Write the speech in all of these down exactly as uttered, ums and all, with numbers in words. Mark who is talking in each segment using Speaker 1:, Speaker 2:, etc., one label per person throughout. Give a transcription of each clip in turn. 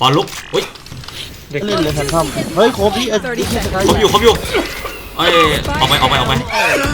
Speaker 1: ปอนลุกอุ้ย
Speaker 2: เล่นเลยทันทำเฮ้ยโคบี้เอ้ย
Speaker 1: ครบอยู่ครบอยู่เอ้ยออกไปออกไปออกไป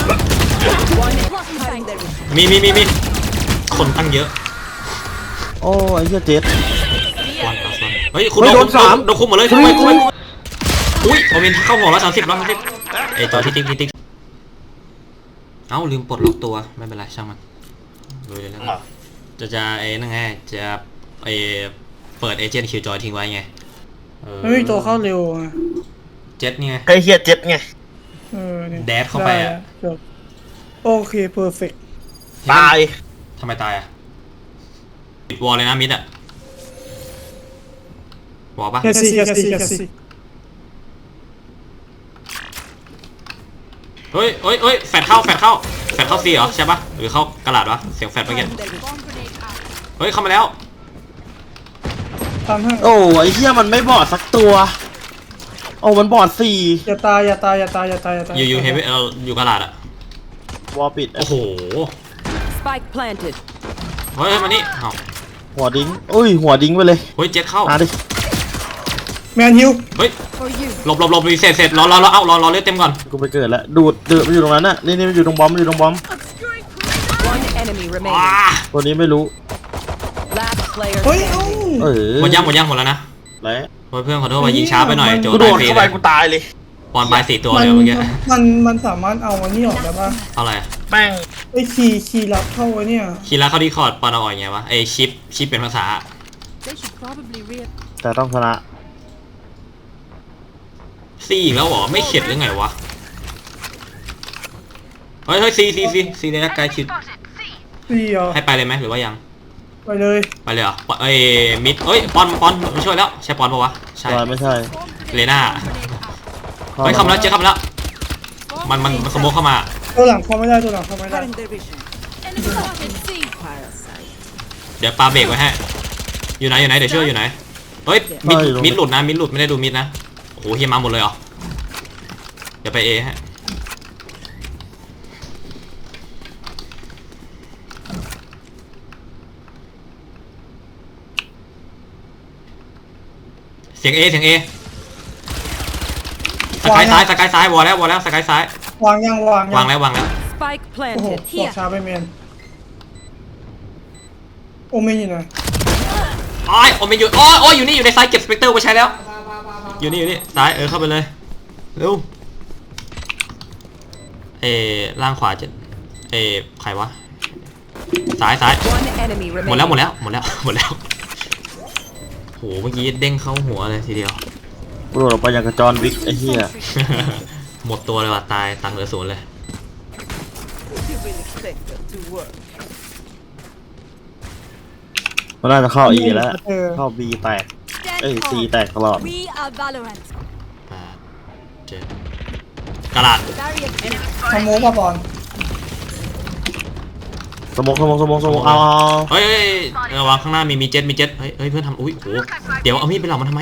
Speaker 1: มีมีมีมีคนตั้งเยอะ
Speaker 2: โอ้ไอ้เหี้ยเจ็ด
Speaker 1: วันต่อวันเฮ้ยคุณโดนสามโดนคุมหมดเลยคุมไปคุมไปอุ้ยโอเมนเข้าหัวแล้วสามสิบแล้วสามสิบเอ้ยตัวที่ติ๊กที่ติ๊กเอ้าลืมปลดล็อกตัวไม่เป็นไรช่างมันดูเลยแล้วจะจะไอ้นั่นไงจะไอ้เปิดเอเจนต์คิวจอยทิ้งไว้ไง
Speaker 3: ไม่มีตัวเข้าเร็วอ่ะ
Speaker 1: เจ็ดไง
Speaker 2: ไอ้เหี้ยเจ็ดไง
Speaker 3: เออเนี่ย
Speaker 1: แดดเข้าไปอ่ะ
Speaker 3: โอเคเพอร์เฟกต์
Speaker 2: ตาย
Speaker 1: ทำไมตายอ่ะปิดวอลเลยนะมิดอ่ะวอลปะ
Speaker 3: แคสซี่แคสซี่แคสซี่
Speaker 1: เฮ้ยเฮ้ยเฮ้ยแฟดเข้าแฟดเข้าแฟดเข้าซีเหรอใช่ปะหรือเข้ากระดาษวะเสียงแฟดเมื่อกี้เฮ้ยเข้ามาแล้ว
Speaker 3: ทำให้
Speaker 2: โอ้ไอ้เหี้ยมันไม่บอดสักตัวโอ้มันบอดสี่
Speaker 3: อย่าตายอย่าตายอย่าตายอย่าตายอย่าตาย
Speaker 1: อยู่อยู่เฮฟวี่เราอยู่กระดาษอะ
Speaker 2: วอลปิด
Speaker 1: โอ้โห
Speaker 4: Spike planted
Speaker 1: เฮ้ยมานี่
Speaker 2: หัวดิ้งอุ้ยหัวดิ้งไปเลย
Speaker 1: เฮ้ยเจ็ดเข้า
Speaker 2: มาดิ
Speaker 3: แมนฮิว
Speaker 1: เฮ้ยหลบหลบหลบรีเซ็ตเสร็จรอรอรอเอ้ารอรอเลือดเต็มก่อน
Speaker 2: กูไปเกิดแล้วดูดเดือดมันอยู่ตรงนั้นน่ะนี่นี่มันอยู่ตรงบอมมันอยู่ตรงบอมตัวนี้ไม่รู้
Speaker 3: เฮ้ยเอ
Speaker 2: อ
Speaker 1: หมดยังหมดยังหมดแล้วนะ
Speaker 2: แล้ว
Speaker 1: เพื่อนขอโทษว่ายิงช้าไปหน่อยโจ
Speaker 2: โดนเข้าไปกูตายเลย
Speaker 1: ปอนไปสี่ตัวเลยเมื่อกี้
Speaker 3: มันมันสามารถเอาอันนี้ออกได้ป่ะ
Speaker 1: เอาอะไร
Speaker 2: แป้ง
Speaker 3: ไอ้คีย์คีย์ลับเข้าไว้เนี่ย
Speaker 1: คีย์ลับเข้าที่คอร์ดปอนเอาออกยังไงวะไอชิปชิปเป็นภาษา
Speaker 2: แต่ต้องชนะ
Speaker 1: ซีอีกแล้วเหรอไม่เข็ดหรือไงวะเฮ้ยเฮ้ยซีซีซีซีในนักกายคิด
Speaker 3: ซีเหรอ
Speaker 1: ให้ไปเลยไหมหรือว่ายัง
Speaker 3: ไปเลย
Speaker 1: ไปเลยเหรอเอ้ยมิดเอ้ยปอนปอนมาช่วยแล้วใช่ปอนปะวะใช่
Speaker 2: ไม่ใช่
Speaker 1: เลน่าเฮ้ยคำแล้วเจ๊คำแล้วมันมันสโมกเข้ามา
Speaker 3: ตัวหลังเข้าไม่ได้ตัวหลังเข้าไม่ได้
Speaker 1: เดี๋ยวปาเบรกไว้ให้อยู่ไหนอยู่ไหนเดี๋ยวช่วยอยู่ไหนเฮ้ยมิดมิดหลุดนะมิดหลุดไม่ได้ดูมิดนะโอ้โหเฮียมาหมดเลยเหรอเดี๋ยวไปเอฮะเสียงเอเสียงเอสกายซ้ายสกายซ้ายวอลแล้ววอลแล้วสกายซ้ายว
Speaker 3: างยังวาง
Speaker 1: วางแล้ววางแล้ว
Speaker 3: โอ้โหบอกช้าไปเมนโอเมนอยู่ไหน
Speaker 1: อ๋อโอเมนอยู่อ๋ออ๋ออยู่นี่อยู่ในซ้ายเก็บสเปกเตอร์ไปใช้แล้วอยู่นี่อยู่นี่ซ้ายเออเข้าไปเลยเร็วเอล่างขวาจะเอใครวะซ้ายซ้ายหมดแล้วหมดแล้วหมดแล้วหมดแล้วโหเมื่อกี้เด้งเข้าหัวเลยทีเดียว
Speaker 2: โดดออกไปอย่างกระจรวิกไอ้เหี้ย
Speaker 1: หมดตัวเลยว่ะตายตังเหลือศูนย์เลย
Speaker 2: มันน่าจะเข้า E แล้วเข้า B แตกเอ้ย C แตกตลอด
Speaker 1: เจ็ดกระดาษ
Speaker 3: สโมกป่ะบอล
Speaker 2: สมองสมองสมองสมองเอา
Speaker 1: เฮ้ยระวังข้างหน้ามีมีเจ็ตมีเจ็ตเฮ้ยเฮ้ยเพื่อนทำอุ้ยโหเดี๋ยวเอามีดไปหลอกมันทำไม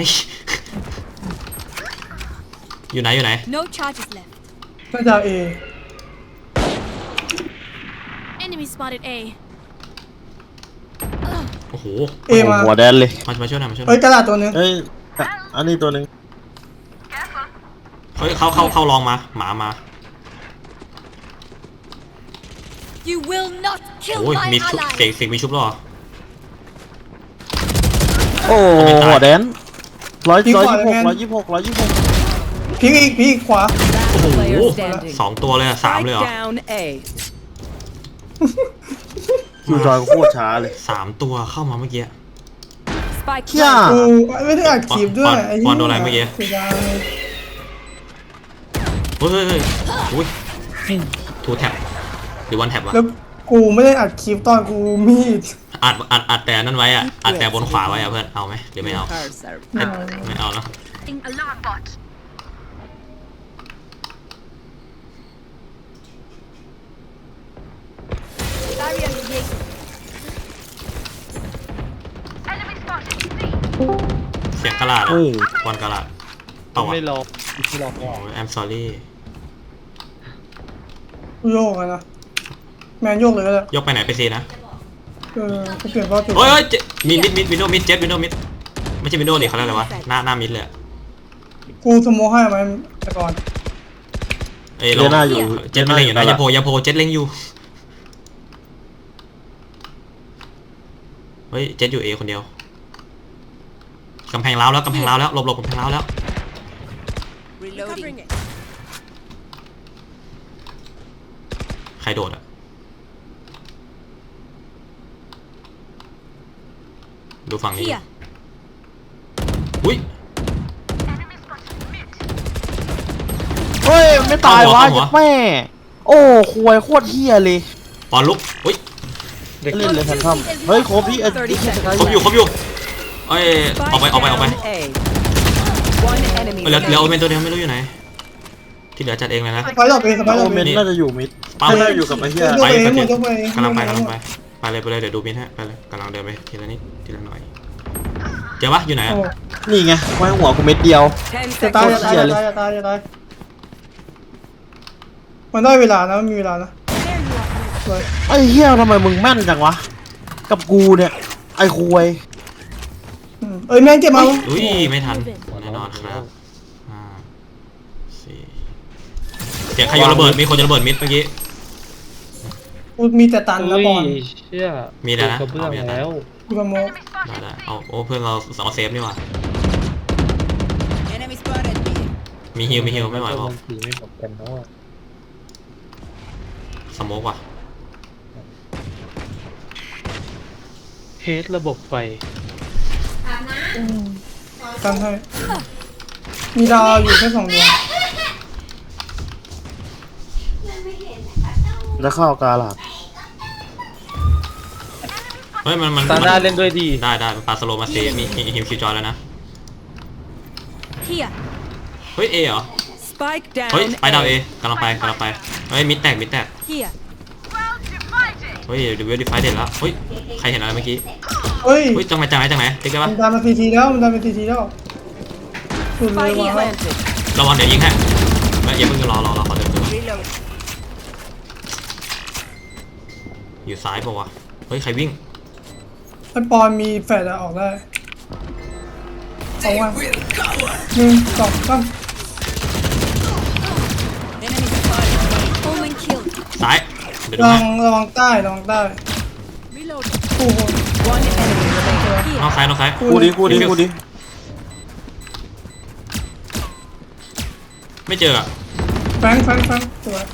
Speaker 1: อยู่ไหนอยู่ไหน
Speaker 3: น่าจะ A
Speaker 1: โอ้โห
Speaker 2: เอมาหัวแดนเลย
Speaker 1: มามาช่วยหน่อยมาช่วย
Speaker 3: เฮ้ยกระดาษตัวนึง
Speaker 2: เฮ้ยอันนี้ตัวนึง
Speaker 1: เฮ้ยเขาเขาเขาลองมาหมามาโอ้ยมีชุบเสกเสกมีชุบหรอ
Speaker 2: โอ้หัวแดนร้อยร้อยยี่สิบหกร้อยยี่สิบหกร้อยยี่สิบหก
Speaker 3: พีอีกพีขวา
Speaker 1: โอ้โหสองตัวเลยสามเลยเหรอ
Speaker 2: คิวจอยก็โคตรช้าเลย
Speaker 1: สามตัวเข้ามาเมื่อกี้
Speaker 3: เฮียไม่ได้อัดคลิปด้วย
Speaker 1: ไอ้บอลโดนอะไรเมื่อกี้เฮ้ยเฮ้ยเฮ้ยอุ้ยทูแท็บหรือวันแท็บวะ
Speaker 3: แล้วกูไม่ได้อัดคลิปตอนกูมีด
Speaker 1: อัดอัดอัดแต่นั่นไว้อ่ะอัดแต่บนขวาไว้อ่ะเพื่อนเอาไหมหรือไม่เอาไม่เอาเนาะเสียงกระดาษอ่ะบอลกระดาษเอาวะ
Speaker 2: ไม่ลองไม่ลอง
Speaker 1: I'm sorry
Speaker 3: โยกนะแมนโยกเลยก็ได้
Speaker 1: ยกไปไหนไปซีนะ
Speaker 3: เออเปลี่ยนว่าจุด
Speaker 1: เฮ้ยมีมิดมิดวินโดมิดเจ็ตวินโดมิดไม่ใช่วินโดว์ดิเขาเรียกอะไรวะหน้าหน้ามิดเลยอะ
Speaker 3: กูสโมให้มันแต่ก่อน
Speaker 1: เอ้ย
Speaker 2: เดี๋ยวหน้าอยู่
Speaker 1: เจ็ตมันเล็งอยู่นะอย่าโผล่อย่าโผล่เจ็ตเล็งอยู่เฮ้ยเจ็ตอยู่เอคนเดียวกำแพงล้าวแล้วกำแพงล้าวแล้วหลบหลบกำแพงล้าวแล้ว
Speaker 4: Reloading.
Speaker 1: ใครโดดอ่ะดูฝั่งนี้
Speaker 4: Here.
Speaker 1: อุ้ย
Speaker 2: เฮ้ยไม่ตายวะ
Speaker 1: เอาหัว
Speaker 2: แม่โอ้ควยโคตรเฮียเลย
Speaker 1: ปอนลุกอุ้ย
Speaker 2: เล่นเลยแฟนทอมเฮ้ยโคบพี่เอ็ดดี้
Speaker 1: ครบอยู่ครบอยู่เอ้ยออกไป
Speaker 4: Spike
Speaker 1: ออกไปออกไป
Speaker 4: down A. One enemy
Speaker 1: เหลือเหลือโอ
Speaker 4: remaining.
Speaker 1: เมนตัวเดียวไม่รู้อยู่ไหนที่เหลือจัดเองเลยนะ
Speaker 3: สไปร์ดอกเองสไปร์ด
Speaker 2: โอ
Speaker 3: อก
Speaker 2: เม
Speaker 3: เอน ง
Speaker 2: น่าจะอยู่มิด
Speaker 1: ปั๊ม
Speaker 2: ไม่ได้อยู่กับไอ้เหี้ย
Speaker 3: ยก
Speaker 1: ไป
Speaker 3: ไปเอง
Speaker 1: ไป
Speaker 3: หมดยกไปเอง
Speaker 1: กำลังไปกำลังไปไปเลยไปเลยเดี๋ยวดูมินฮะไปเลยกำลังเดินไปทีละนิดทีละหน่อยเจอปะอยู่ไหน
Speaker 3: โอ้
Speaker 1: อะ
Speaker 2: นี่ไงไว้หัวกูเม็ดเดียว
Speaker 4: Ten
Speaker 3: จะตาย
Speaker 4: seconds.
Speaker 3: จะตายจะตายจะตายจะตายมันได้เวลานะมันมีเวลานะสวย
Speaker 2: ไอ้เหี้ยทำไมมึงแม่นจังวะกับกูเนี่ยไอ้ควย
Speaker 3: อืมเอ้ยแม่งเจ็บมา
Speaker 1: อุ้ยไม่ทันแน่นอนครับห้าสี่เสียงใครโยนระเบิดมีคนโยนระเบิดมิดเมื่อกี้
Speaker 3: กูมีแต่ตันนะบอล
Speaker 5: เชี่ย
Speaker 1: มีแล้วนะ
Speaker 5: กระเบื้อง
Speaker 1: เอามีแล้วนะ
Speaker 5: แล้ว
Speaker 3: กูสโม
Speaker 1: ได้ได้เอาโอ้เพื่อนเราเอาเซฟนี่หว่า
Speaker 4: Enemy spotted.
Speaker 1: มีฮิวมีฮิวไม่ไหว
Speaker 5: แล้
Speaker 1: เปล่า
Speaker 5: มันถือไม่บอกกันเนาะ
Speaker 1: สโมกว่ะ
Speaker 5: เฮดระบบไฟ
Speaker 3: กันให้มีดาวอยู่แค่สองดวง
Speaker 2: จะเข้ากาลาด
Speaker 1: เฮ้ยมันมัน
Speaker 5: ตาหน้าเล่นด้วยดี
Speaker 1: ได้ได้มันปาสโลมาเซมีฮิวคิวจอยแล้วนะ
Speaker 4: Here.
Speaker 1: เฮ้ยเอเหรอ
Speaker 4: Spike down.
Speaker 1: เฮ้ยไปดาวเอ
Speaker 4: A.
Speaker 1: กำลังไปกำลังไปเฮ้ยมิดแตกมิดแตก
Speaker 4: Here.
Speaker 1: เฮ้ยเดี๋ยวเวลดิไฟเด็ดแล้วเฮ้ยใครเห็นอะไรเมื่อกี้
Speaker 3: เฮ้ย
Speaker 1: เฮ้ยจังไหนจังไหนจังไหนติ๊กได้
Speaker 3: มั
Speaker 1: ปะ
Speaker 3: นดันมาทีทีแล้วมันดันมาทีทีแล้วสุดเลย
Speaker 4: Spike
Speaker 3: ว่ะ
Speaker 4: planted.
Speaker 1: ระวังเดี๋ยวยิงให้ไม่อย่าเพิ่งรอรอรอขอเดินตัว
Speaker 4: Reload.
Speaker 1: อยู่ซ้ายป่าวะเฮ้ยใครวิ่ง
Speaker 3: ไอปอนมีแฟดอะออกได้เอาว่าหนึ่งสองสาม
Speaker 4: Enemy spotted. Omen killed.
Speaker 1: ซ้ายเดี๋ยวดู
Speaker 3: ระวั
Speaker 1: ให้
Speaker 3: งระวังใต้ระวังใต้
Speaker 4: Reload.
Speaker 3: โอ้โห
Speaker 4: One enemy remaining.
Speaker 1: นอก
Speaker 4: Here.
Speaker 1: ซ้ายนอกซ้าย
Speaker 2: กูดิกูดิกูดิ
Speaker 1: ไม่เจออะ
Speaker 3: แฟงแฟงแฟงสวย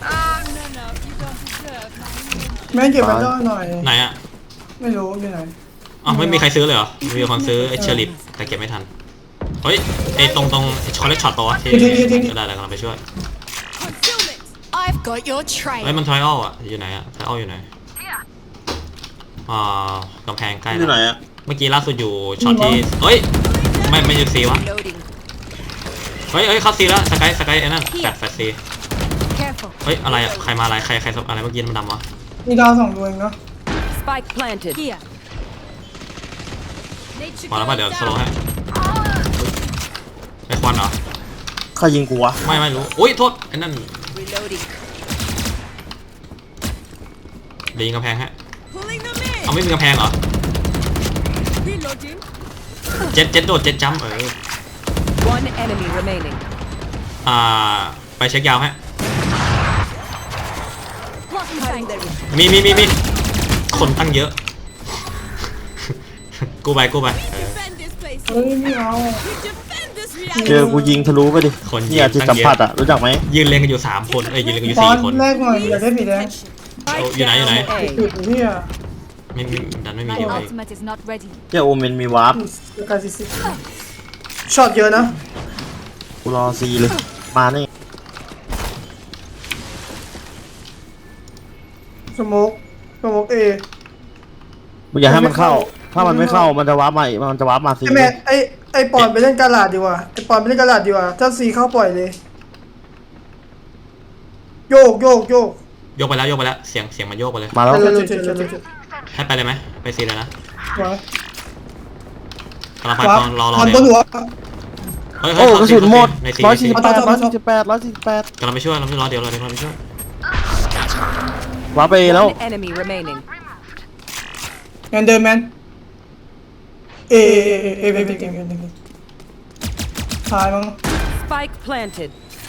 Speaker 3: แม่งเก็บไปด้อยหน่อย
Speaker 1: ไหนอะ
Speaker 3: ไม่รู้อยู่ไหน
Speaker 1: อ้าวไม่มีใครซื้อเลยเหรอมีคนซื้อไอ้เชอร์ลิปแต่เก็บไม่ทันเฮ้ยไอ้ตรงตรงช็อตเล็กช็อตตัวที่ได้แล้วกำลังไปช่วย
Speaker 4: I've got your trail.
Speaker 1: เฮ้ยมันทริอัลอะอยู่ไหนอะทริอัลอยู่ไหนอ่ากำแพงใกล้
Speaker 2: อยู่ไหน
Speaker 1: แล้ว
Speaker 2: อะ
Speaker 1: เมื่อกี้ล่าสุดอยู่ช็อตที่เฮ้ยไม่ไม่อยู่ซีวะ
Speaker 4: Reloading.
Speaker 1: เฮ้ยเฮ้ยเข้าซีแล้วสกายสกายไอ้นั่นแฟดแฟดซี
Speaker 4: Careful.
Speaker 1: เฮ้ยอะไรอะใครมาอะไรใครใครอะไรเมื่อกี้มันดำวะ
Speaker 3: มีดาวสองดวงเนาะ
Speaker 4: Spike planted. Here.
Speaker 1: มาแล้วป่ะเดี๋ยวสโลว์ให้ไอ้ควันเหรอ
Speaker 2: ใครยิงกูวะ
Speaker 1: ไม่ไม่รู้อุ้ยโทษไอ้นั่น
Speaker 4: Reloading.
Speaker 1: เดี๋ยวยิงกำแพงฮะ
Speaker 4: Pulling them in.
Speaker 1: เอาไม่มีกำแพงเหรอ
Speaker 4: Reloading.
Speaker 1: เจ็ดเจ็ดโดดเจ็ดจัมป์เออ
Speaker 4: One enemy remaining.
Speaker 1: อ่าไปเช็คยาวฮะ
Speaker 4: Cutting their
Speaker 1: มีมีมีมีคนตั้งเยอะ กูไปกูไปเออ
Speaker 4: defend this place.
Speaker 3: เฮ้ยไม่เอา
Speaker 4: Defend this
Speaker 2: เจอกูยิงทะลุไปดิ
Speaker 1: คนยิง
Speaker 2: เนี่ยจิตสัมผัสอะรู้จักไหม
Speaker 1: ยืนเรียงกันอยู่สามคนเอ้ยยืนเรียงกันอยู่
Speaker 3: ตอ
Speaker 1: สี่
Speaker 3: น
Speaker 1: คน
Speaker 3: แรกหน่อยอยากได้สีแดง
Speaker 4: Spike
Speaker 1: you know, you know.
Speaker 4: down A.
Speaker 3: จุดที่อ่ะ
Speaker 1: ไม่มีดันไม่มี
Speaker 6: My
Speaker 1: อยู่เลย
Speaker 6: ultimate is not ready.
Speaker 2: เจ้าโอเมนมีวาร์ป
Speaker 3: กาซิซิช็อตเยอะนะ
Speaker 2: กูรอซีเลยมานี่
Speaker 3: สโมกสโมกเอ
Speaker 2: มึงอย่าให้มันเข้า ถ้ามันไม่เข้ามันจะวาร์ปมาอีกมันจะวาร์ปมาซี
Speaker 3: ไอแม่ไอไอปอนไปเล่นกาลาดดีกว่าไอปอนไปเล่นกาลาดดีกว่าถ้าซีเข้าปล่อยเลย โยกโยกโยก
Speaker 1: โยกไปแล้วโยกไปแล้วเสียงเสียงมันโยกไปเลย
Speaker 2: มาแล้ว
Speaker 3: เร็วๆเร็วๆเร็วๆเร็ว
Speaker 1: ให้ไปเลยไหมไปซีเลยนะ
Speaker 3: ๆว้าก
Speaker 1: ำลังไป
Speaker 3: ว้า
Speaker 1: ตอนรอรอ
Speaker 3: ทอน
Speaker 1: เดี๋
Speaker 3: บ
Speaker 1: ย
Speaker 3: น
Speaker 1: ว
Speaker 3: หัว
Speaker 1: เฮ้ย
Speaker 2: โอ้
Speaker 1: เฮ้ย
Speaker 2: กระสุนหมด
Speaker 1: ในซี
Speaker 2: ร้อย
Speaker 1: ในซี
Speaker 2: สี่สิบแปดร้อยสี่สิบแปดร้อยสี่สิบแปด
Speaker 1: กำลังไปช่วยกำลังไปรอเดี๋ยวรอเดี๋ยวกำลังไปช่วย
Speaker 2: วาร์ปไปแล้ว
Speaker 4: One enemy remaining.
Speaker 3: แมนเดินแมนเอเอเอเอเอเอเอเอเอตายมั้ง
Speaker 4: Spike planted.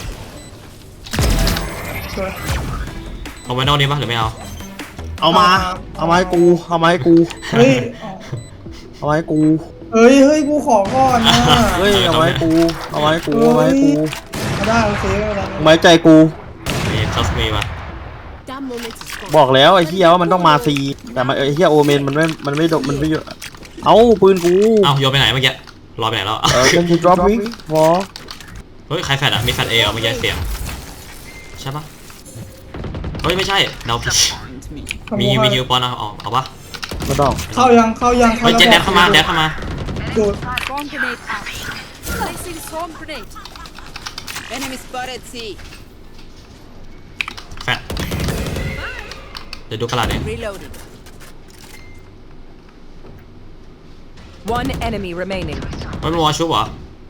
Speaker 3: สวย
Speaker 1: เอาไว้นอกนี้ปะหรือไม่เอา
Speaker 2: เอามา เอามาให้กู เอามาให้กู
Speaker 3: เฮ้ย
Speaker 2: เอามาให้กู
Speaker 3: เฮ้ยเฮ้ยกูขอก่อนนะ
Speaker 2: เฮ้ย เอามาให้กู เอามาให้กู เอามาให้กู
Speaker 3: มาได้โอเคไม่เป็นไร
Speaker 2: เอามาให้ใจกู
Speaker 1: มีทัสมีปะ
Speaker 4: That moment is gone.
Speaker 2: บอกแล้วไอ้เหี้ยว่ามันต้องมาซีแต่มันไอ้เหี้ยโอเมนมันไม่ มันไม่โดมันไม่เยอะเอาปืนกู
Speaker 1: เอ้าโยนไปไหนเมื่อกี้รอไปไหนแล้ว
Speaker 2: เออเป็นกู drop wing วอ
Speaker 1: เฮ้ยใครแฟดอ่ะมีแฟดเอเหรอเมื่อกี้เสียงใช่ปะเฮ้ยไม่ใช่เดาผิดมีมีฮิวปอนเอาเอาเอาปะ
Speaker 2: ไม่ต้อง
Speaker 3: เข้ายังเข้ายัง
Speaker 1: เฮ้ยเจ็ดแดดเข้ามาแดดเข้ามา
Speaker 3: ดูด
Speaker 4: Swarm grenade out. Placing swarm grenade. Enemy spotted C.
Speaker 1: แฟดเดี๋ยวดูกระดาษเอง
Speaker 4: Reloading. One enemy remaining.
Speaker 1: ไม่เป็นวอลชุบเหรอ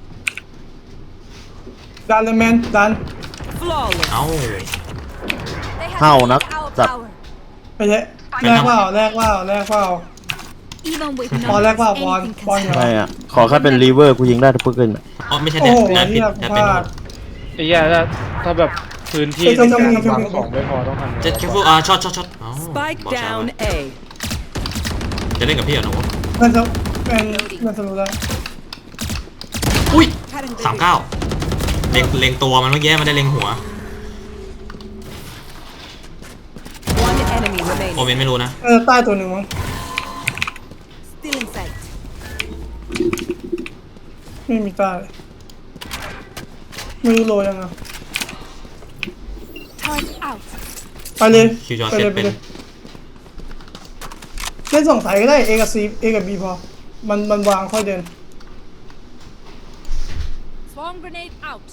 Speaker 3: ดันเลยแมนดัน
Speaker 4: Flawless.
Speaker 1: เอ้า
Speaker 2: เห่านักจัด
Speaker 3: ไปเถอะแลกเปล่าแลกเปล่าแลกเปล่า
Speaker 4: Even with
Speaker 3: บอลแลกเปล่าบอลบอลอยู่
Speaker 2: ไม่อะขอแค่เป็นรีเวอร์กูยิงได้ทุกปืนอะ
Speaker 1: อ๋อไม่ใช่
Speaker 3: โอ้
Speaker 1: แดด
Speaker 3: โห
Speaker 1: แดดผิด
Speaker 3: เฮีย
Speaker 1: แดด
Speaker 3: พ
Speaker 1: เป็น
Speaker 3: ลาด
Speaker 5: ไอ้เหี้ยถ้าถ้าแบบพื้นที่
Speaker 3: เอ้ย
Speaker 5: ใน
Speaker 3: ต้อง
Speaker 5: การ
Speaker 3: ต้อง
Speaker 5: วาง
Speaker 3: ต้อง
Speaker 5: ของไม่พอต้องทำไง
Speaker 1: เจ็ดคิวฟูอ่าช็อตช็อตช็อตเอ้า
Speaker 4: Spike
Speaker 1: บอกช้า
Speaker 4: down
Speaker 1: วะ
Speaker 4: A.
Speaker 1: จะเล่นกับพี่เหรอหนู
Speaker 3: มันจะเป็นมันจะรู้ได้
Speaker 1: อุ้ยสามเก้าเล็งเล็งตัวมันเมื่อกี้มันได้เล็งหัว
Speaker 4: One enemy
Speaker 1: โอ
Speaker 4: remaining.
Speaker 1: เมนไม่รู้นะ
Speaker 3: เออใต้ตัวหนึ่งมั้ง
Speaker 4: Still in sight.
Speaker 3: ไม่มีใต้ไม่รู้โลยังอ่ะ
Speaker 4: Turret out.
Speaker 3: ไปเลย
Speaker 1: คิวจอ
Speaker 3: ไป
Speaker 1: เซ
Speaker 3: เล
Speaker 1: ต
Speaker 3: ยไป
Speaker 1: เป็น
Speaker 3: เลยเล่นสองสายก็ได้ A กับ C A กับ B พอมันมันวางค่อยเดิน
Speaker 4: Swarm grenade out.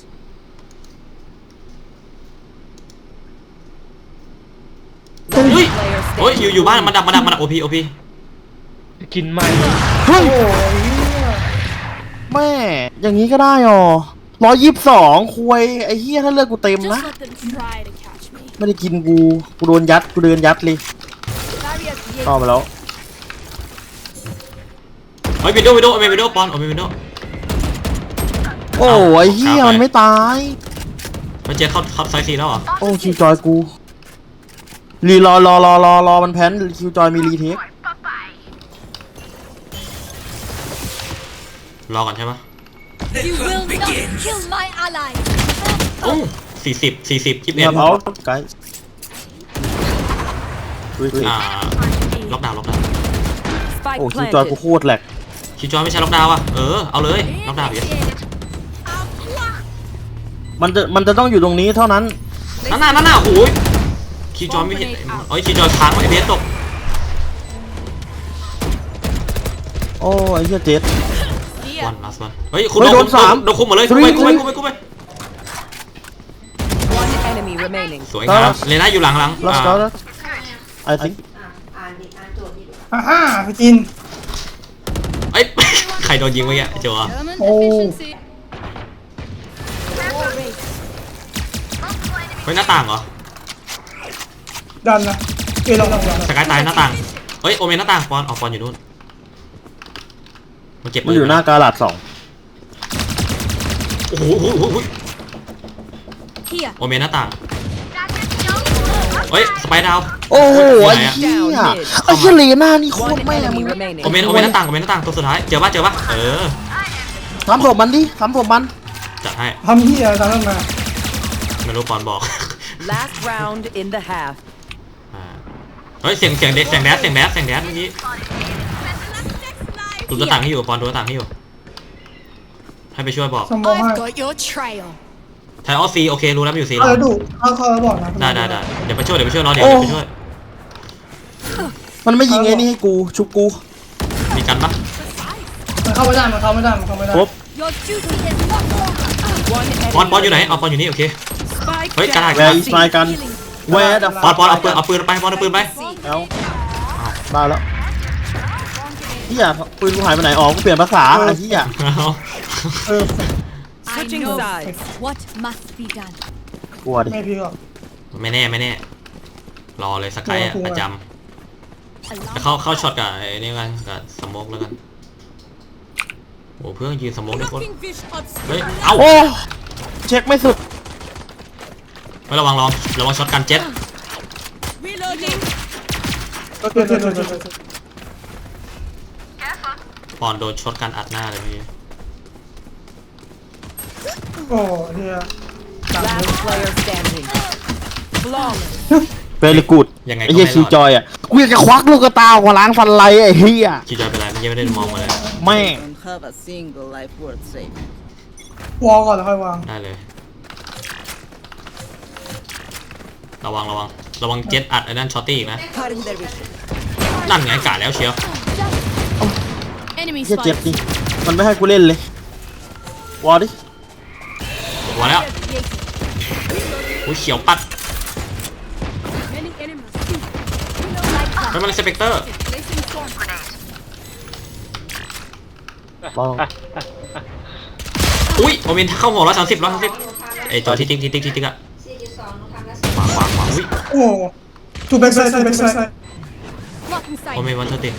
Speaker 1: เฮ้ย
Speaker 4: Player
Speaker 1: เฮ้ย
Speaker 4: standing.
Speaker 1: อยู่อยู่บ้านมาดับมาดับมาดับโอพีโอพี
Speaker 5: กินไหม
Speaker 2: เฮ้ย
Speaker 3: โอ้ยเหี้ย
Speaker 2: แม่ อย่างนี้ก็ได้อ๋อร้อยยี่สิบสองคุยไอ้เหี้ยถ้าเลือกกูเต็มนะ
Speaker 4: Just let them try to catch me.
Speaker 2: ไม่ได้กินกู กูโดนยัด กูเดินยัดเลย
Speaker 4: Barrier
Speaker 2: ต่อ
Speaker 4: created.
Speaker 2: ไปแล้ว
Speaker 1: เฮ้ยวิดโดวิดโดโอเมนวิดโดปอนโอเมนวิดโด
Speaker 2: โอ้ไอ้เหี้ยมันไม่ตาย
Speaker 1: เฮ้ยเจ๊เข้าเข้าไซซีแล้วเหรอ
Speaker 2: โอ้คิวจอยกู รีรอรอรอรอรอมันแพนคิวจอยมีรีเทค
Speaker 1: รอก่อนใช่ปะ
Speaker 4: You will not kill my ally.
Speaker 1: โอ้สี่สิบสี่สิบยี่สิบ
Speaker 2: เงี
Speaker 1: เอ็
Speaker 2: ย
Speaker 1: ด
Speaker 2: บเอาไกด์
Speaker 1: อ่าล็อกดาวน์ล็อกดาวน์
Speaker 4: Spike
Speaker 2: โอ้คิวจอยกู
Speaker 4: planted.
Speaker 2: โคตรแหลก
Speaker 1: คิวจอยไม่ใช่ล็อกดาวน์อ่ะเออเอาเลยล็อกดาวน์อีก
Speaker 2: มันจะมันจะต้องอยู่ตรงนี้เท่านั้น
Speaker 1: นั่นน่ะนั่นน่ะโอ้ยคิวจอยไม่เห็นเอ้ยคิวจอยค้างไว้เบสตก
Speaker 2: โอ้ไอ้เหี้ยเจ็ด
Speaker 1: วันลาสวันเฮ้ยคุณ
Speaker 2: เฮ้ยโดน
Speaker 1: คุม
Speaker 2: สาม
Speaker 1: โดนคุมหมดเลยคุมไปคุมไปคุมไปคุมไป
Speaker 4: One enemy remaining.
Speaker 1: สวยงามเลน่าอยู่หลังหลัง
Speaker 2: ลัส
Speaker 1: อ่า
Speaker 2: เกาแล้วไอ้ทิ้ง
Speaker 3: อ่าฮ่าไปกิน
Speaker 1: เอ้ย ใครโดนยิงเมื่อกี้ไอ้โจอ่ะ
Speaker 3: โอ้
Speaker 1: เฮ้ยหน้าต่างเหรอ
Speaker 3: ดันนะเอยลองลองลอง
Speaker 1: สกายตายหน้าต่างเฮ้ยโอเมนหน้าต่างปอนออกปอนอยู่นู่นมันเก็บ
Speaker 2: มันอยู่หน้ากาลาดสอง
Speaker 1: โอ้โหโอ้โหโอ้โห
Speaker 4: Here.
Speaker 1: โอเมนหน้าต่างเฮ้ยสไปดาว
Speaker 2: โอ้โห
Speaker 1: ไห
Speaker 2: ไอ้
Speaker 1: นอะ
Speaker 2: เหี้ยไอ้เหี้ยเลน่านี่โคต
Speaker 4: One
Speaker 2: รแม่มึ
Speaker 4: enemy
Speaker 2: ง
Speaker 4: remaining.
Speaker 1: โอเมนโอเมนหน้าต่างโอเมนหน้าต่างตัวสุดท้ายเจอปะเจอปะเออ
Speaker 2: ทำศพมันดิทำศพมัน
Speaker 1: จัดให้
Speaker 3: ทำที่อะไรตามนั้นมา
Speaker 1: ไม่รู้ปอนบอก
Speaker 4: Last round in the half.
Speaker 1: อ่าเฮ้ยเสียงเสียงเด็กเสียงแดดเสียงแดดเสียงแดดเมื่อกี้ดูตัวต่างให้อยู่ปอนดูตัวต่างให้อยู่ให้ไปช่วยบอก
Speaker 3: สมองให้
Speaker 4: I've got your trail.
Speaker 1: ไทยออฟซีโอเครู้แล้วมันอยู่ซี
Speaker 3: เอา
Speaker 1: เรา
Speaker 3: แล้วดูเข้าเข้าแล้วบอกนะ
Speaker 1: ได้ได้ได้เดี๋ยวไปช่วยเดี๋ยวไปช่วยรอเดี๋ยวเดี๋ยวไปช่วย
Speaker 2: มันไม่ยิงไอ้นี่ให้กูชุบกู
Speaker 1: มีกันปะ
Speaker 3: มันเข้าไม่ได้มันเข้าไม่ได้มันเข้าไม่ได้
Speaker 2: ครบ
Speaker 4: Your duty is not over. One enemy.
Speaker 1: ปอนปอนอยู่ไหนเอาปอนอยู่นี่โอเค
Speaker 4: Spike
Speaker 1: เฮ้ยกระดาษ
Speaker 2: แวร์อีสไนกันแวร์ดับ
Speaker 1: ปอนปอนเอาปืนเอาปืนไปปอนเอาปืนไป
Speaker 2: แล้วได้แล้วเหี้ยปืนกูหายไปไหนอ๋อกูเปลี่ยนภาษาไอ้เหี้ย
Speaker 1: เอา
Speaker 3: เออ
Speaker 4: Switching sides.
Speaker 6: What must be done?
Speaker 2: กลัวดิ
Speaker 3: ไม่พี่หรอก
Speaker 1: ไม่แน่ไม่แน่รอเลยสกายอะ
Speaker 3: กลัวกลัว
Speaker 1: ประจำแล้วเข้าเข้าช็อตกับไอ้นี่กันกับสโมกแล้วกันโอ้เพื่อนยืนสมองด้วยคน
Speaker 4: Blocking vision.
Speaker 1: เฮ้ยเอ้า
Speaker 2: โอ้เช็คไม่สุด
Speaker 1: ไม่ระวังระวังระวังช็อตกันเจ็ต
Speaker 4: Reloading.
Speaker 3: ก็เกิดเกิดเกิดเกิด
Speaker 1: ปอนโดนช็อตกันอัดหน้าเลยพี่
Speaker 3: โอ้เฮีย
Speaker 4: Last player standing. Flawless.
Speaker 2: เวลิกูด
Speaker 1: ยังไง
Speaker 2: ไอ้
Speaker 1: ก็
Speaker 2: เหี้ย
Speaker 1: ไม่
Speaker 2: คิว
Speaker 1: ร
Speaker 2: จ
Speaker 1: อด
Speaker 2: อยอ่ะกูอยากจะควักลูกกระตาออกมาล้างฟันไรไอ้เหี้ย
Speaker 1: คิวจอยเป็นไรเมื่อกี้ไม่ได้มองมาเลย
Speaker 2: แม่ง
Speaker 6: Don't have a single life worth saving.
Speaker 3: วอลก่อนแล้วค่อยวาง
Speaker 1: ได้เลย ระวังระวังระวังเจ็ตอัดไอ้นั่นช็อตตี้อีกนะ
Speaker 6: Cutting their vision.
Speaker 1: นั่นไงกาดแล้วเชียว
Speaker 4: Enemy
Speaker 2: เหี้ยเจ็บ
Speaker 4: spotted.
Speaker 2: จริงมันไม่ให้กูเล่นเลย วอลดิ
Speaker 1: หัวแล้วอุ้ยเขียวปัด
Speaker 4: Many enemies.
Speaker 1: เฮ้ยมันสเปกเตอร์
Speaker 4: Placing swarm grenade.
Speaker 2: ลอง
Speaker 1: อุ้ยโอเมนเข้าหัวร้อยสามสิบร้อยสามสิบไอตัวที่ติ๊กที่ติ๊กที่ติ๊กอะขวาขวาขวาอุ้ย
Speaker 3: โอ้ทูแบ็กไซด์ทูแบ็กไซด์
Speaker 4: Blocking
Speaker 1: โอเม
Speaker 4: sight.
Speaker 1: นวันเทอร์ติ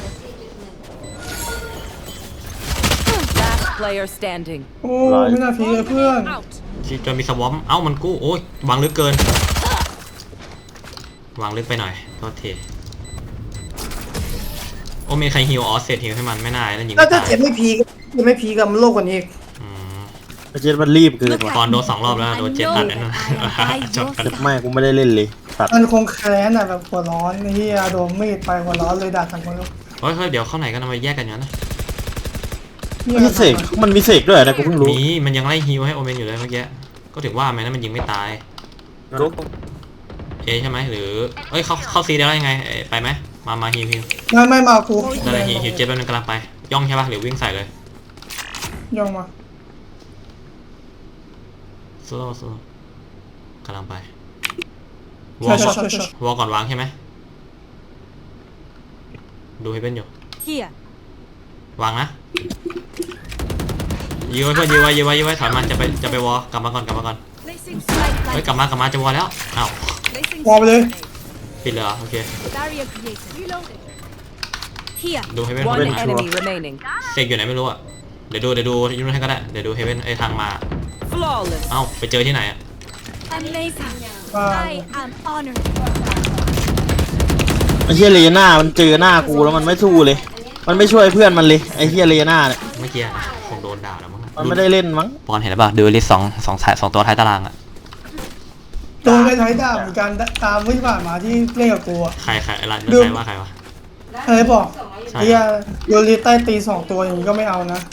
Speaker 6: Last player standing.
Speaker 3: โอ้ไม่น่าพีเลยเพื่อน
Speaker 4: Out.
Speaker 1: ที่จะมีสวอมเอ้ามันกู้โอ้ยวางลึกเกิน วางลึกไปหน่อยโทษทีโอเมนใครฮิวออสเซตฮิวให้มันไม่น่านั่นยิง
Speaker 3: ถ้า
Speaker 1: ไม่
Speaker 3: ถ้า
Speaker 1: ตาย
Speaker 3: เจ็บไม่พีก็จะไม่พีกับโลกกว่านี้อีก
Speaker 1: อืม
Speaker 2: ไอ้เจ็ดมันรีบเกินว่ะ
Speaker 1: ตอนโดนสองรอบแล้วโดนเจ็ดอัดนั่นน่ะจบกัน
Speaker 2: เจ็บแม่กูไม่ได้เล่นเลยตัด
Speaker 3: มันคงแค้นอ่ะแบบหัวร้อนไอ้เฮียโดนมีดไปหัวร้อนเลยด่าทั้งคน
Speaker 1: เฮ้ยเฮ้ยเดี๋ยวเข้าไหนกันทำไมแยกกันอย่างนั้นนะ
Speaker 2: มีเสกมันมีเสกด้วยนะกูเพิ่งรู้
Speaker 1: มีมันยังไล่ฮิวให้โอเมนอยู่เลยเมื่อกี้ก็ถือว่าแม้นั้นมันยิงไม่ตายเอใช่ไหมหรือเอ้ยเข้าเข้าซีได้แล้วยังไงเอ้ยไปไหมมามาฮิวฮิว
Speaker 3: ไม่ไม่มากู
Speaker 1: ได้เลยฮิวฮิวเจ็บแล้วนึงกำลังไปย่องใช่ปะหรือวิ่งใส่เลย
Speaker 3: ย่องมา
Speaker 1: โซโล่โซโล่กำลังไปวอ
Speaker 3: ใช่
Speaker 1: ล
Speaker 3: ใช่ใช่ใช่
Speaker 1: วอลก่อนวางใช่ไหมดูให้เป็นอยู่
Speaker 4: Here.
Speaker 1: วางนะยื้อไว้เพื่อนยื้อไว้ยื้อไว้ยื้อไว้ถอยมันจะไปจะไปวอลกลับมาก่อนกลับมาก่อน
Speaker 4: Placing sight.
Speaker 1: เฮ้ยกลับมากลับมาจะวอลแล้วอ้าว
Speaker 4: Placing
Speaker 3: วอลไปเลย
Speaker 1: ปิดเลยเหรอโอเค
Speaker 4: barrier created. Reloading. Here.
Speaker 1: ดูให้เป็น
Speaker 6: One
Speaker 1: เป็นนะ
Speaker 6: enemy remaining.
Speaker 1: เสกอยู่ไหนไม่รู้อ่ะเดี๋ยวดูเดี๋ยวดูยูนให้ก็ได้เดี๋ยวดูเฮเว่นไอ้ทางมา
Speaker 6: Flawless.
Speaker 1: เอ้าไปเจอที่ไหนอ่ะ
Speaker 4: Amazing.
Speaker 3: ว่า
Speaker 4: I am honored.
Speaker 2: ไอ้เหี้ยเลน่ามันเจอหน้ากูแล้วมันไม่สู้เลย มันไม่ช่วยเพื่อนมันเลยไอ้เหี้ยเลน่าเนี่ย
Speaker 1: เมื่อกี้นะคงโดนด่าแล้วมั้ง
Speaker 2: มันไม่ได้เล่นมั้ง
Speaker 1: ปอนเห็นหรือเปล่าดูลิสสองสองสายสองตัวท้ายตารางอ่ะ
Speaker 3: โดนไปท้ายด่าเหมือนกันตามที่ผ่านมาที่เล่นกับกูอะ
Speaker 1: ใครใครอะไร
Speaker 3: ดู
Speaker 1: ใครว่าใครวะ
Speaker 3: อะไรบอก
Speaker 1: ใช่
Speaker 3: เฮียโยนลีใต้ตีสองตัวอย่างนี้ก็ไม่เอานะ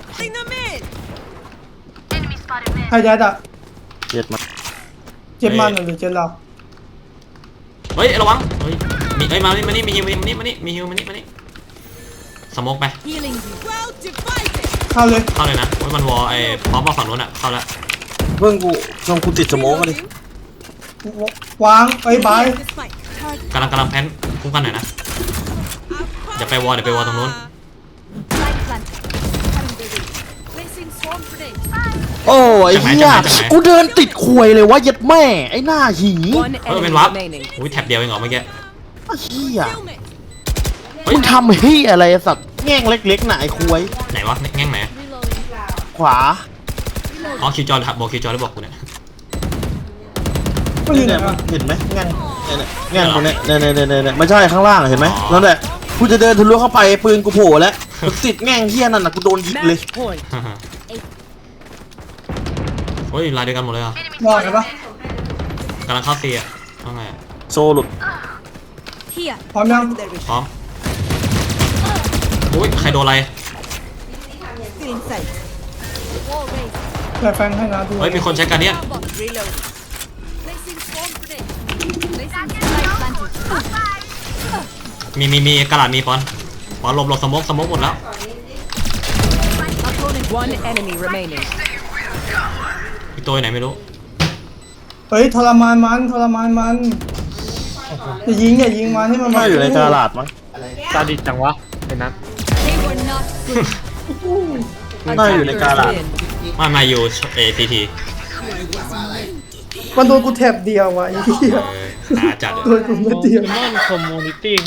Speaker 3: ใครยัดอ่ะ
Speaker 2: เจ็ดมัน
Speaker 3: เจ็บมันหรือเจ็บเรา
Speaker 1: เฮ้ยระวังเฮ้ยมีเอ้ยมานี่มานี่มีฮิวมานี่มานี่มีฮิวมานี่มานี่สโมกไป
Speaker 4: Healing you. Well divided.
Speaker 3: เข้าเลย
Speaker 1: เข้าเลยนะโอ้ยมันวอลไอ้พร้อมมาฝั่งนู้นอ่ะเข้าแล้ว
Speaker 2: เพิ่งกูลองกูติดสโมองมาดิ
Speaker 3: วางไอ้ยบาย
Speaker 4: The spike. Target.
Speaker 1: กำลังกำลังแพนคุ้มกันหน่อยนะเดี๋ยวไปวอลเดี๋ยวไปวอลตรงนู้น
Speaker 4: Light planted. Cutting their way. Placing swarm grenade.
Speaker 2: โอ้ไอ้เหี้ยกูเดินติดควยเลยว่าเย็ดแม่ไอ้หน้าหี
Speaker 6: One
Speaker 1: เฮ้ยเป็น
Speaker 6: enemy
Speaker 1: วับ
Speaker 6: remaining.
Speaker 1: อุ้ยแท็บเดียวเองเหรอเมื่อกี้
Speaker 2: ไอ้เหี้ย
Speaker 4: Kill me.
Speaker 1: เฮ้ย
Speaker 2: มึงทำเหี้ยอะไรสัตว์แง่งเล็กๆน่ะไอ้ควย
Speaker 1: ไหนวะแง่งไหน
Speaker 4: Reloading.
Speaker 2: ขวา
Speaker 1: อ๋อคิวจอยบอกคิวจอยได้บอกกูเนี่ย
Speaker 3: ก็อยู่ไหน
Speaker 2: เนี่ย
Speaker 3: อ่ะ
Speaker 2: เห็นไหมแง่งเนี่ยแง่งตรงเนี้ยเนี่ยเนี่ยเนี่ยเนี่ยไม่ใช่ข้างล่างเห็นไหมนั่นแหละกูจะเดินทะลุเข้าไปปืนกูโผล่แล้วกูติดแง่งเหี้ยนั่นน่ะกูโดนยิงเลย
Speaker 6: Match point.
Speaker 1: โอ้ยลายเดียวกันหมดเลยอ่ะ
Speaker 3: วางกันปะ
Speaker 1: กำลังเข้าซีอ่ะว่าไงอะ
Speaker 2: โซหลุด
Speaker 4: Here.
Speaker 3: พร้อมยัง
Speaker 6: Their vision.
Speaker 1: พร้อมอุ้ยใครโดนอะไร
Speaker 6: Still in sight.
Speaker 4: Wall raised.
Speaker 3: แปะแฟงให้นะดู
Speaker 1: เฮ้ยมีคนใช้การเนี้ย
Speaker 4: Combo.
Speaker 6: Reload.
Speaker 4: Placing swarm grenade. Placing light planted.
Speaker 1: มีมีมีกระดาษมีปอนปอนหลบหลบสโมกสโมกหมดแล้ว
Speaker 6: One enemy remaining.
Speaker 1: อีกตัวอยู่ไหนไม่รู้
Speaker 3: เฮ้ยทรมานมันทรมานมันอย่ายิงอย่ายิงมันให้มัน
Speaker 2: น่าอยู่ในกาลาดมั้ง
Speaker 5: ตาดิดจังวะไอ้นัท
Speaker 4: They were not good.
Speaker 2: น่าอยู่ในกาลาด
Speaker 6: Win.
Speaker 1: ไม่มาอยู่เอทีที
Speaker 3: มันโดนกูแถบเดียวว่ะไอ้เหี้ย
Speaker 1: หาจัดเลย
Speaker 3: โดนกูเม็ดเดียว
Speaker 5: มอนคอมมูนิตี้